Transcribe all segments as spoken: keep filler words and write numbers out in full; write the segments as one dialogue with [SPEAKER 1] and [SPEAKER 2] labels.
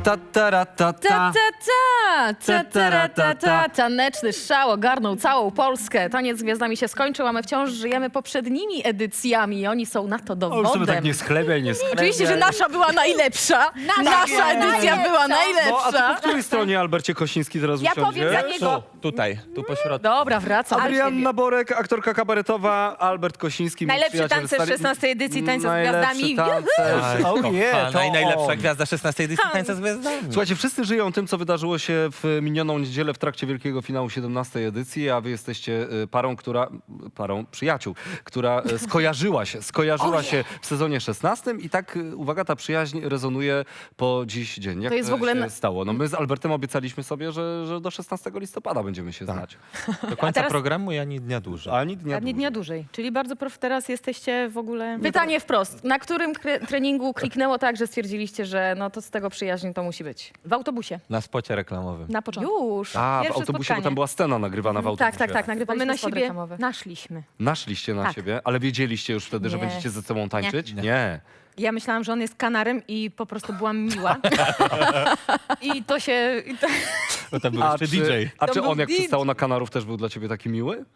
[SPEAKER 1] Ta, ta, ra, ta,
[SPEAKER 2] Ta, ta, ta, ta, ta, ra, ta, ta. Taneczny szał ogarnął całą Polskę. Taniec z gwiazdami się skończył, a my wciąż żyjemy poprzednimi edycjami i oni są na to
[SPEAKER 1] O, już sobie
[SPEAKER 2] dowodem.
[SPEAKER 1] tak nie schlebiaj, nie schlebiaj.
[SPEAKER 2] Oczywiście, że nasza była najlepsza. Nasza edycja była
[SPEAKER 1] No, a ty
[SPEAKER 2] najlepsza.
[SPEAKER 1] po której stronie Albercie Kosiński teraz
[SPEAKER 3] Ja
[SPEAKER 1] usiądzie?
[SPEAKER 3] powiem za niego.
[SPEAKER 4] Tu, tutaj, tu po środku.
[SPEAKER 2] Dobra, wracam.
[SPEAKER 1] Adrianna Borek, aktorka kabaretowa, Albert Kosiński. mój
[SPEAKER 3] Najlepszy
[SPEAKER 1] przyjaciel
[SPEAKER 3] tancerz
[SPEAKER 1] stary-
[SPEAKER 3] szesnastej edycji Tańca z
[SPEAKER 1] Najlepszy
[SPEAKER 3] Gwiazdami.
[SPEAKER 1] tancerz. O nie,
[SPEAKER 4] Kochana,
[SPEAKER 1] to
[SPEAKER 4] i najlepsza
[SPEAKER 1] on.
[SPEAKER 4] gwiazda szesnastej edycji Tańca z Gwiazdami.
[SPEAKER 1] Słuchajcie, wszyscy żyją tym, co wydarzyło się w minioną niedzielę w trakcie wielkiego finału siedemnastej edycji, a wy jesteście y, parą, która, parą przyjaciół, która y, skojarzyła się, skojarzyła się w sezonie szesnastym i tak, y, uwaga, ta przyjaźń rezonuje po dziś dzień. Jak
[SPEAKER 2] To jest w ogóle
[SPEAKER 1] się
[SPEAKER 2] na-
[SPEAKER 1] stało? No my z Albertem obiecaliśmy sobie, że, że do szesnastego listopada będziemy się znać.
[SPEAKER 4] Do końca
[SPEAKER 3] teraz-
[SPEAKER 4] programu i ani dnia dłużej.
[SPEAKER 1] Ani dnia
[SPEAKER 3] A nie dnia
[SPEAKER 1] dłużej.
[SPEAKER 3] dłużej. Czyli bardzo prof, teraz jesteście w ogóle...
[SPEAKER 2] Pytanie wprost. Na którym kre- treningu kliknęło tak, że stwierdziliście, że no to z tego przyjaźń to musi być?
[SPEAKER 3] W autobusie.
[SPEAKER 4] Na spocie reklamowym.
[SPEAKER 3] Na początku.
[SPEAKER 2] Już.
[SPEAKER 1] A, w
[SPEAKER 3] Pierwsze
[SPEAKER 1] autobusie, bo
[SPEAKER 3] spotkanie.
[SPEAKER 1] tam była scena nagrywana w autobusie.
[SPEAKER 2] Tak, tak, tak.
[SPEAKER 3] Bo my
[SPEAKER 2] Nagrywaliśmy
[SPEAKER 3] na
[SPEAKER 2] spot
[SPEAKER 3] siebie
[SPEAKER 2] reklamowy.
[SPEAKER 3] naszliśmy.
[SPEAKER 1] Naszliście na
[SPEAKER 3] Tak.
[SPEAKER 1] siebie, ale wiedzieliście już wtedy, że
[SPEAKER 3] Nie.
[SPEAKER 1] będziecie ze sobą tańczyć?
[SPEAKER 4] Nie.
[SPEAKER 1] Nie.
[SPEAKER 3] Ja myślałam, że on jest kanarem i po prostu byłam miła. I to się... I to...
[SPEAKER 4] Bo tam był
[SPEAKER 1] A
[SPEAKER 4] jeszcze
[SPEAKER 1] czy,
[SPEAKER 4] D J.
[SPEAKER 1] a
[SPEAKER 3] To
[SPEAKER 1] czy
[SPEAKER 3] był
[SPEAKER 1] on, jak
[SPEAKER 3] D J.
[SPEAKER 1] przystało na Kanarów, też był dla ciebie taki miły?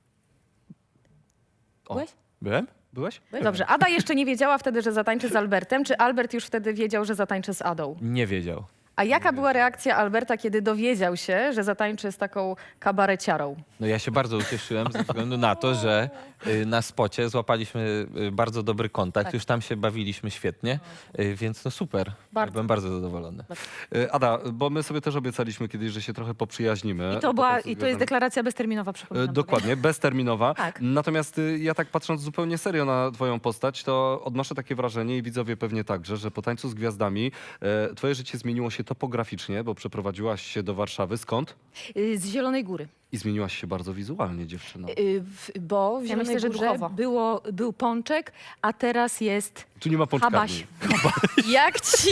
[SPEAKER 1] O.
[SPEAKER 3] Byłeś?
[SPEAKER 1] Byłem? Byłeś?
[SPEAKER 2] Dobrze, Ada jeszcze nie wiedziała wtedy, że zatańczy z Albertem, czy Albert już wtedy wiedział, że zatańczy z Adą?
[SPEAKER 4] Nie wiedział.
[SPEAKER 2] A jaka była reakcja Alberta, kiedy dowiedział się, że zatańczy z taką kabareciarą?
[SPEAKER 4] No ja się bardzo ucieszyłem ze względu na to, że y, na spocie złapaliśmy y, bardzo dobry kontakt.
[SPEAKER 3] Tak.
[SPEAKER 4] Już tam się bawiliśmy świetnie, y, więc no super.
[SPEAKER 3] Bardzo.
[SPEAKER 4] Byłem bardzo zadowolony.
[SPEAKER 1] Y, Ada, bo my sobie też obiecaliśmy kiedyś, że się trochę poprzyjaźnimy.
[SPEAKER 3] I to, była,
[SPEAKER 1] Potem
[SPEAKER 3] I to jest
[SPEAKER 1] związane-
[SPEAKER 3] deklaracja bezterminowa,
[SPEAKER 1] Y,
[SPEAKER 3] przypominam.
[SPEAKER 1] Dokładnie, bezterminowa.
[SPEAKER 3] Tak.
[SPEAKER 1] Natomiast y, ja tak patrząc zupełnie serio na twoją postać, to odnoszę takie wrażenie i widzowie pewnie także, że po Tańcu z Gwiazdami e, twoje życie zmieniło się topograficznie, bo przeprowadziłaś się do Warszawy. Skąd?
[SPEAKER 3] Y, Z Zielonej Góry.
[SPEAKER 1] I zmieniłaś się bardzo wizualnie, dziewczyno.
[SPEAKER 3] Y, w- Bo w
[SPEAKER 2] Ja
[SPEAKER 3] Zielonej
[SPEAKER 2] myślę, że
[SPEAKER 3] Górze
[SPEAKER 2] duchowo.
[SPEAKER 3] było, był pączek, a teraz jest...
[SPEAKER 1] Tu nie ma pączkarni.
[SPEAKER 3] Habaś.
[SPEAKER 2] Jak ci...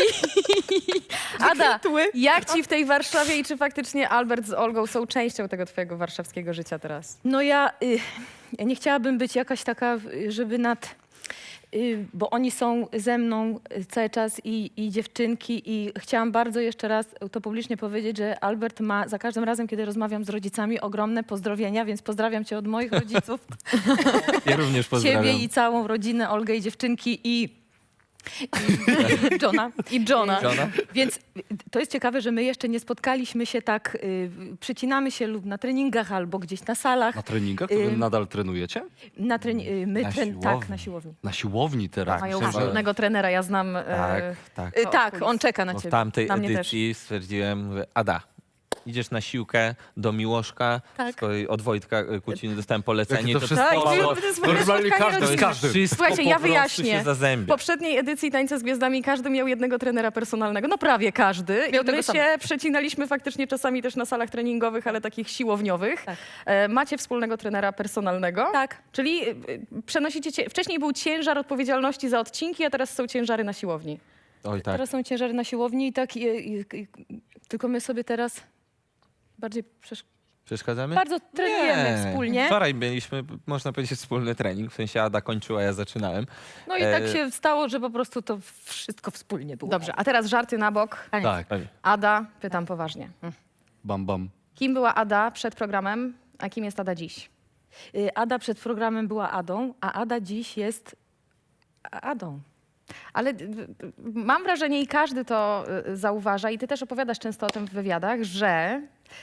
[SPEAKER 2] Ada,
[SPEAKER 3] Wykwitły.
[SPEAKER 2] jak ci w tej Warszawie i czy faktycznie Albert z Olgą są częścią tego twojego warszawskiego życia teraz?
[SPEAKER 3] No ja, y, ja nie chciałabym być jakaś taka, y, żeby nad... y, Bo oni są ze mną y, cały czas i, i dziewczynki i chciałam bardzo jeszcze raz to publicznie powiedzieć, że Albert ma za każdym razem, kiedy rozmawiam z rodzicami, ogromne pozdrowienia, więc pozdrawiam cię od moich rodziców,
[SPEAKER 4] Ja również pozdrawiam.
[SPEAKER 3] ciebie i całą rodzinę, Olgę i dziewczynki i, i Johna.
[SPEAKER 2] I Johna.
[SPEAKER 4] Żona?
[SPEAKER 3] Więc y, to jest ciekawe, że my jeszcze nie spotkaliśmy się tak, y, przycinamy się lub na treningach albo gdzieś na salach.
[SPEAKER 1] Na treningach? To wy
[SPEAKER 3] Ym.
[SPEAKER 1] nadal trenujecie?
[SPEAKER 3] Na treni- y, my
[SPEAKER 4] Na
[SPEAKER 3] tren-
[SPEAKER 4] siłowni.
[SPEAKER 3] tak, na siłowni.
[SPEAKER 1] Na siłowni teraz.
[SPEAKER 2] Mają
[SPEAKER 1] Myślałem, że-
[SPEAKER 2] wspólnego trenera, ja znam...
[SPEAKER 4] Tak,
[SPEAKER 2] e,
[SPEAKER 4] tak.
[SPEAKER 3] Y,
[SPEAKER 2] O,
[SPEAKER 3] tak,
[SPEAKER 2] kulis.
[SPEAKER 3] on czeka na
[SPEAKER 4] Bo w
[SPEAKER 3] ciebie.
[SPEAKER 4] tamtej
[SPEAKER 2] Na mnie
[SPEAKER 4] edycji stwierdziłem, mówię, Ada, idziesz na siłkę do Miłoszka,
[SPEAKER 3] Tak.
[SPEAKER 4] z kolei od Wojtka y, Kuciny dostałem polecenie.
[SPEAKER 1] Jakie to
[SPEAKER 4] i
[SPEAKER 1] wszystko
[SPEAKER 2] Tak,
[SPEAKER 1] mało-
[SPEAKER 2] to jest
[SPEAKER 1] Normalnie
[SPEAKER 2] spotkanie
[SPEAKER 1] każdy z
[SPEAKER 2] rodzinne.
[SPEAKER 1] każdym.
[SPEAKER 4] Wszystko
[SPEAKER 2] Słuchajcie,
[SPEAKER 4] po
[SPEAKER 2] ja
[SPEAKER 4] prostu
[SPEAKER 2] wyjaśnię.
[SPEAKER 4] się
[SPEAKER 2] W
[SPEAKER 4] zazębia.
[SPEAKER 2] poprzedniej edycji Tańca z Gwiazdami każdy miał jednego trenera personalnego, no prawie każdy.
[SPEAKER 3] Miał
[SPEAKER 2] I my
[SPEAKER 3] tego
[SPEAKER 2] się
[SPEAKER 3] samego.
[SPEAKER 2] przecinaliśmy faktycznie czasami też na salach treningowych, ale takich siłowniowych.
[SPEAKER 3] Tak.
[SPEAKER 2] E, macie wspólnego trenera personalnego.
[SPEAKER 3] Tak.
[SPEAKER 2] Czyli y, y, przenosicie, cie... wcześniej był ciężar odpowiedzialności za odcinki, a teraz są ciężary na siłowni.
[SPEAKER 4] Oj tak.
[SPEAKER 3] Teraz są ciężary na siłowni i tak, i, i, i, tylko my sobie teraz bardziej przesz-
[SPEAKER 4] Przeszkadzamy?
[SPEAKER 3] bardzo trenujemy
[SPEAKER 4] Nie.
[SPEAKER 3] wspólnie.
[SPEAKER 4] Wczoraj mieliśmy, można powiedzieć, wspólny trening, w sensie Ada kończyła, ja zaczynałem.
[SPEAKER 3] No i tak
[SPEAKER 4] E,
[SPEAKER 3] się stało, że po prostu to wszystko wspólnie było.
[SPEAKER 2] Dobrze, a teraz żarty na bok.
[SPEAKER 3] Koniec.
[SPEAKER 1] Tak,
[SPEAKER 2] Ada, pytam poważnie.
[SPEAKER 1] bam, bam.
[SPEAKER 2] Kim była Ada przed programem, a kim jest Ada dziś?
[SPEAKER 3] Y, Ada przed programem była Adą, a Ada dziś jest A- Adą.
[SPEAKER 2] Ale y, y, mam wrażenie i każdy to y, zauważa i ty też opowiadasz często o tym w wywiadach, że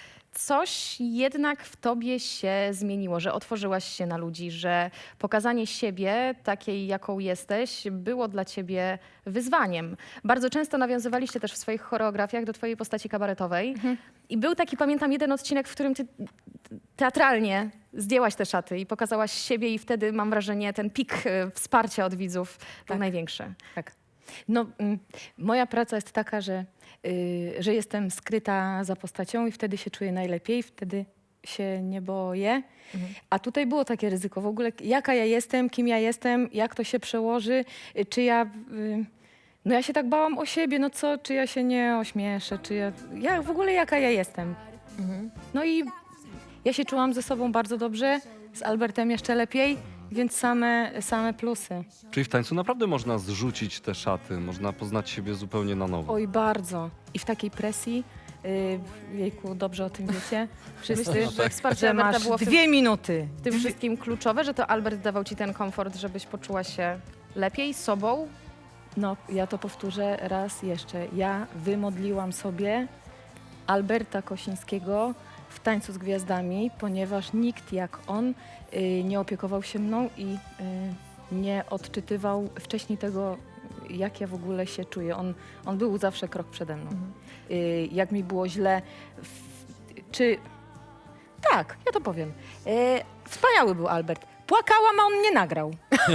[SPEAKER 2] coś jednak w tobie się zmieniło, że otworzyłaś się na ludzi, że pokazanie siebie takiej, jaką jesteś, było dla ciebie wyzwaniem. Bardzo często nawiązywaliście też w swoich choreografiach do twojej postaci kabaretowej i był taki, pamiętam, jeden odcinek, w którym ty teatralnie zdjęłaś te szaty i pokazałaś siebie i wtedy, mam wrażenie, ten pik y, wsparcia od widzów był
[SPEAKER 3] Tak.
[SPEAKER 2] największy.
[SPEAKER 3] Tak. No, mm, moja praca jest taka, że, y, że jestem skryta za postacią i wtedy się czuję najlepiej, wtedy się nie boję. A tutaj było takie ryzyko w ogóle, jaka ja jestem, kim ja jestem, jak to się przełoży, y, czy ja... Y, no ja się tak bałam o siebie, no co, czy ja się nie ośmieszę, czy ja... ja w ogóle jaka ja jestem. No i ja się czułam ze sobą bardzo dobrze, z Albertem jeszcze lepiej Więc same, same plusy.
[SPEAKER 1] Czyli w tańcu naprawdę można zrzucić te szaty, można poznać siebie zupełnie na nowo.
[SPEAKER 3] Oj, bardzo. I w takiej presji, yy, jejku, dobrze o tym wiecie, wszyscy,
[SPEAKER 2] Myślisz, że wsparcie
[SPEAKER 3] że
[SPEAKER 2] Alberta
[SPEAKER 3] masz
[SPEAKER 2] było w tym,
[SPEAKER 3] dwie minuty.
[SPEAKER 2] w tym wszystkim kluczowe, że to Albert dawał ci ten komfort, żebyś poczuła się lepiej sobą?
[SPEAKER 3] No, ja to powtórzę raz jeszcze. Ja wymodliłam sobie Alberta Kosińskiego w Tańcu z Gwiazdami, ponieważ nikt jak on y, nie opiekował się mną i y, nie odczytywał wcześniej tego, jak ja w ogóle się czuję. On, on był zawsze krok przede mną. Y, jak mi było źle, w, czy... Tak, ja to powiem. Y, wspaniały był Albert. Płakałam, a on nie nagrał.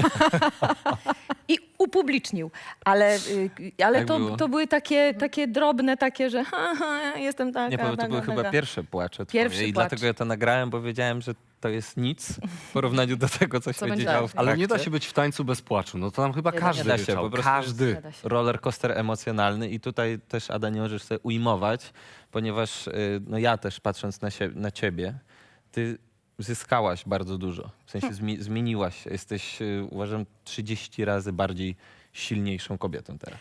[SPEAKER 3] I upublicznił. Ale, y, ale
[SPEAKER 4] Jak
[SPEAKER 3] to,
[SPEAKER 4] było?
[SPEAKER 3] to były takie, takie drobne, takie, że ha, ha, jestem taka,
[SPEAKER 4] Nie powiem, to
[SPEAKER 3] taka,
[SPEAKER 4] były
[SPEAKER 3] taka.
[SPEAKER 4] chyba pierwsze płacze twoje
[SPEAKER 3] Pierwszy
[SPEAKER 4] i
[SPEAKER 3] płacz.
[SPEAKER 4] dlatego ja to nagrałem, bo wiedziałem, że to jest nic w porównaniu do tego, co się
[SPEAKER 2] będzie
[SPEAKER 4] działo
[SPEAKER 2] dalej.
[SPEAKER 4] w
[SPEAKER 1] Ale nie da
[SPEAKER 4] trakcie.
[SPEAKER 1] się być w tańcu bez płaczu. No to nam chyba
[SPEAKER 3] Nie da-
[SPEAKER 1] każdy
[SPEAKER 4] nie da się,
[SPEAKER 1] ryczał.
[SPEAKER 4] po prostu
[SPEAKER 1] Każdy.
[SPEAKER 3] Nie da się.
[SPEAKER 4] Roller coaster emocjonalny i tutaj też, Ada, nie możesz sobie ujmować, ponieważ y, no ja też patrząc na, sie- na ciebie, ty zyskałaś bardzo dużo. W sensie zmi- zmieniłaś się. Jesteś, y, uważam, trzydzieści razy bardziej silniejszą kobietą teraz.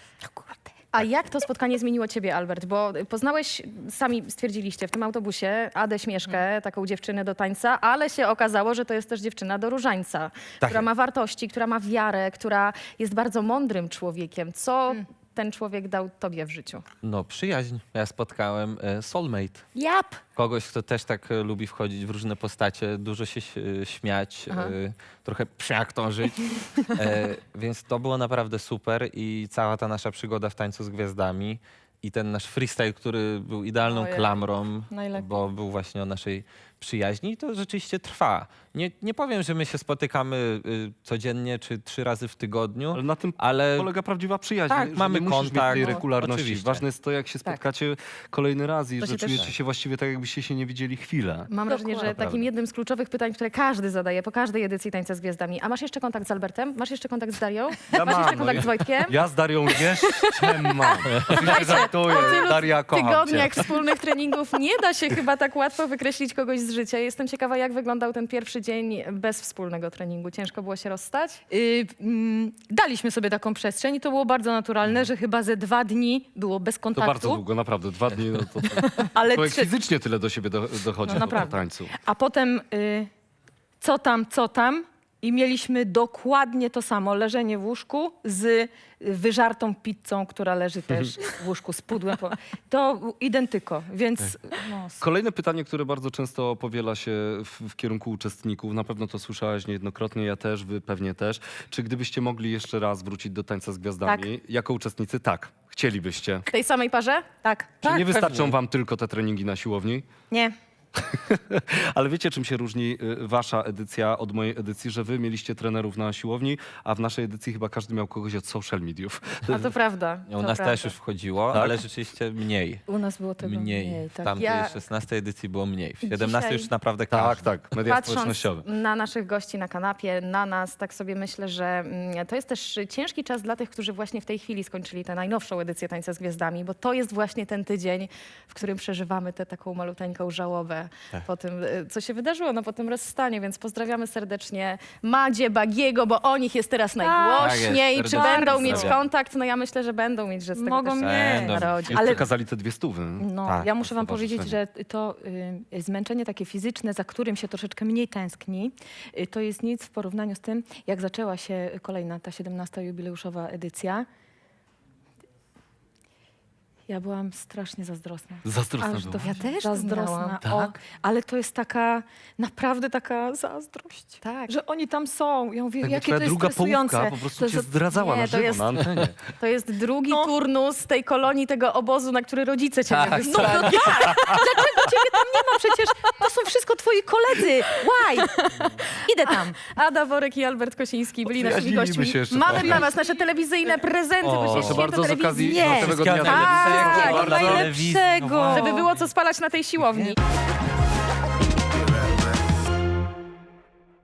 [SPEAKER 2] A jak to spotkanie zmieniło ciebie, Albert? Bo poznałeś, sami stwierdziliście, w tym autobusie Adę Śmieszkę, taką dziewczynę do tańca, ale się okazało, że to jest też dziewczyna do różańca,
[SPEAKER 4] Tak
[SPEAKER 2] która
[SPEAKER 4] jest.
[SPEAKER 2] ma wartości, która ma wiarę, która jest bardzo mądrym człowiekiem. Co ten człowiek dał tobie w życiu?
[SPEAKER 4] No, przyjaźń. Ja spotkałem e, soulmate.
[SPEAKER 3] Jap!
[SPEAKER 4] Kogoś, kto też tak e, lubi wchodzić w różne postacie, dużo się e, śmiać,
[SPEAKER 2] Aha.
[SPEAKER 4] e, trochę przyaktorzyć. E, więc to było naprawdę super i cała ta nasza przygoda w Tańcu z Gwiazdami i ten nasz freestyle, który był idealną
[SPEAKER 3] Ojej.
[SPEAKER 4] klamrą,
[SPEAKER 3] Najlepiej.
[SPEAKER 4] bo był właśnie o naszej przyjaźni i to rzeczywiście trwa. Nie, nie powiem, że my się spotykamy y, codziennie czy trzy razy w tygodniu,
[SPEAKER 1] Ale na tym
[SPEAKER 4] ale
[SPEAKER 1] polega prawdziwa przyjaźń.
[SPEAKER 4] Tak,
[SPEAKER 1] że
[SPEAKER 4] mamy
[SPEAKER 1] nie musisz
[SPEAKER 4] kontakt,
[SPEAKER 1] mieć tej
[SPEAKER 4] no,
[SPEAKER 1] regularności.
[SPEAKER 4] oczywiście.
[SPEAKER 1] Ważne jest to, jak się spotkacie kolejny raz i
[SPEAKER 2] To
[SPEAKER 1] że
[SPEAKER 2] się też-
[SPEAKER 1] czujecie się właściwie tak, jakbyście się nie widzieli chwilę.
[SPEAKER 2] Mam wrażenie, że
[SPEAKER 3] Dokładnie.
[SPEAKER 2] takim
[SPEAKER 1] Prawda.
[SPEAKER 2] jednym z kluczowych pytań, które każdy zadaje po każdej edycji Tańca z Gwiazdami. A masz jeszcze kontakt z Albertem? Masz jeszcze kontakt z Darią?
[SPEAKER 1] Ja
[SPEAKER 2] Masz
[SPEAKER 1] mam,
[SPEAKER 2] jeszcze
[SPEAKER 1] no
[SPEAKER 2] kontakt
[SPEAKER 1] ja-
[SPEAKER 2] z Wojtkiem?
[SPEAKER 1] Ja z Darią jeszcze mam. Oczywiście żartuję.
[SPEAKER 2] Po tylu
[SPEAKER 1] Daria, kocham
[SPEAKER 2] tygodniach
[SPEAKER 1] cię.
[SPEAKER 2] wspólnych treningów nie da się chyba tak łatwo wykreślić kogoś z życia. Jestem ciekawa, jak wyglądał ten pierwszy dzień bez wspólnego treningu. Ciężko było się rozstać?
[SPEAKER 3] Y, mm, daliśmy sobie taką przestrzeń i to było bardzo naturalne, że chyba ze dwa dni było bez
[SPEAKER 1] To
[SPEAKER 3] kontaktu.
[SPEAKER 1] bardzo długo, naprawdę. Dwa dni, no to, to
[SPEAKER 3] Ale
[SPEAKER 1] człowiek
[SPEAKER 3] trzy,
[SPEAKER 1] fizycznie tyle do siebie do, dochodzi
[SPEAKER 3] No
[SPEAKER 1] po
[SPEAKER 3] naprawdę.
[SPEAKER 1] tańcu.
[SPEAKER 3] a potem y, co tam, co tam i mieliśmy dokładnie to samo, leżenie w łóżku z wyżartą pizzą, która leży też w łóżku z pudłem. po- To identyko, więc no,
[SPEAKER 1] Kolejne pytanie, które bardzo często powiela się w, w kierunku uczestników, na pewno to słyszałaś niejednokrotnie, ja też, wy pewnie też. Czy gdybyście mogli jeszcze raz wrócić do Tańca z Gwiazdami, jako uczestnicy? Tak, chcielibyście.
[SPEAKER 2] W tej samej parze?
[SPEAKER 3] tak.
[SPEAKER 1] Czy
[SPEAKER 4] Tak,
[SPEAKER 1] nie wystarczą
[SPEAKER 4] pewnie.
[SPEAKER 1] wam tylko te treningi na siłowni?
[SPEAKER 3] Nie.
[SPEAKER 1] Ale wiecie, czym się różni y, wasza edycja od mojej edycji, że wy mieliście trenerów na siłowni, a w naszej edycji chyba każdy miał kogoś od social mediów.
[SPEAKER 2] A to prawda.
[SPEAKER 4] u
[SPEAKER 2] to
[SPEAKER 4] nas
[SPEAKER 2] prawda.
[SPEAKER 4] też już wchodziło,
[SPEAKER 1] Tak?
[SPEAKER 4] ale rzeczywiście mniej.
[SPEAKER 3] U nas było tego
[SPEAKER 4] Mniej.
[SPEAKER 3] mniej.
[SPEAKER 4] W
[SPEAKER 3] tak.
[SPEAKER 4] tamtej
[SPEAKER 2] Ja-
[SPEAKER 4] szesnastej edycji było mniej. W siedemnastej
[SPEAKER 2] Dzisiaj-
[SPEAKER 4] już naprawdę
[SPEAKER 1] Tak,
[SPEAKER 4] każdy.
[SPEAKER 1] tak, media
[SPEAKER 2] Patrząc
[SPEAKER 1] społecznościowe.
[SPEAKER 2] na naszych gości na kanapie, na nas, tak sobie myślę, że mm, to jest też ciężki czas dla tych, którzy właśnie w tej chwili skończyli tę najnowszą edycję Tańca z Gwiazdami, bo to jest właśnie ten tydzień, w którym przeżywamy tę taką maluteńką żałobę
[SPEAKER 4] Tak.
[SPEAKER 2] po tym, y, co się wydarzyło, no po tym rozstanie, więc pozdrawiamy serdecznie Madzie, Bagiego, bo o nich jest teraz najgłośniej.
[SPEAKER 4] Tak jest,
[SPEAKER 2] Czy
[SPEAKER 4] serdecznie
[SPEAKER 2] będą mieć
[SPEAKER 4] pozdrawiam.
[SPEAKER 2] kontakt? No ja myślę, że będą mieć, że z tego
[SPEAKER 3] Mogą
[SPEAKER 2] też
[SPEAKER 3] mieć.
[SPEAKER 4] Będą.
[SPEAKER 2] narodzi.
[SPEAKER 1] Ale
[SPEAKER 3] Ale-
[SPEAKER 1] przekazali te dwie stówy.
[SPEAKER 3] No,
[SPEAKER 4] Tak,
[SPEAKER 3] ja
[SPEAKER 1] to
[SPEAKER 3] muszę wam powiedzieć, że
[SPEAKER 1] stowarzyszenie.
[SPEAKER 3] to y, zmęczenie takie fizyczne, za którym się troszeczkę mniej tęskni, y, to jest nic w porównaniu z tym, jak zaczęła się kolejna, ta siedemnasta jubileuszowa edycja. Ja byłam strasznie zazdrosna.
[SPEAKER 1] Zazdrosna
[SPEAKER 3] Aż do
[SPEAKER 1] była.
[SPEAKER 2] Ja też
[SPEAKER 3] zazdrosna.
[SPEAKER 2] miałam.
[SPEAKER 3] O, ale to jest taka, naprawdę taka zazdrość.
[SPEAKER 2] Tak.
[SPEAKER 3] Że oni tam są. Ja mówię,
[SPEAKER 1] Jakby
[SPEAKER 3] jakie
[SPEAKER 1] twoja
[SPEAKER 3] to jest
[SPEAKER 1] druga
[SPEAKER 3] stresujące.
[SPEAKER 1] połówka po prostu
[SPEAKER 3] To
[SPEAKER 1] cię
[SPEAKER 3] jest-
[SPEAKER 1] zdradzała
[SPEAKER 2] nie,
[SPEAKER 1] na
[SPEAKER 2] to
[SPEAKER 1] żywo,
[SPEAKER 2] jest-
[SPEAKER 1] na antenie.
[SPEAKER 2] To jest drugi
[SPEAKER 3] No.
[SPEAKER 2] turnus tej kolonii, tego obozu, na który rodzice cię
[SPEAKER 4] Tak,
[SPEAKER 2] nie
[SPEAKER 3] No,
[SPEAKER 2] wysłali.
[SPEAKER 3] no tak! Dlaczego ciebie tam nie ma? Przecież to są wszystko twoi koledzy. Why? Idę tam.
[SPEAKER 2] Ada Worek i Albert Kosiński byli naszymi
[SPEAKER 1] Przyjaźniliśmy
[SPEAKER 2] gośćmi.
[SPEAKER 1] się jeszcze
[SPEAKER 2] Mamy
[SPEAKER 1] trochę.
[SPEAKER 2] dla was nasze telewizyjne prezenty,
[SPEAKER 4] O,
[SPEAKER 2] bo
[SPEAKER 4] proszę
[SPEAKER 2] się
[SPEAKER 1] Proszę
[SPEAKER 2] święto
[SPEAKER 1] bardzo, z
[SPEAKER 2] telewizji.
[SPEAKER 1] okazji
[SPEAKER 3] Nie.
[SPEAKER 1] naszego dnia
[SPEAKER 4] Wszystkiego
[SPEAKER 1] telewizji.
[SPEAKER 2] Tak,
[SPEAKER 1] Proszę bardzo.
[SPEAKER 3] najlepszego.
[SPEAKER 2] Żeby było co spalać na tej siłowni.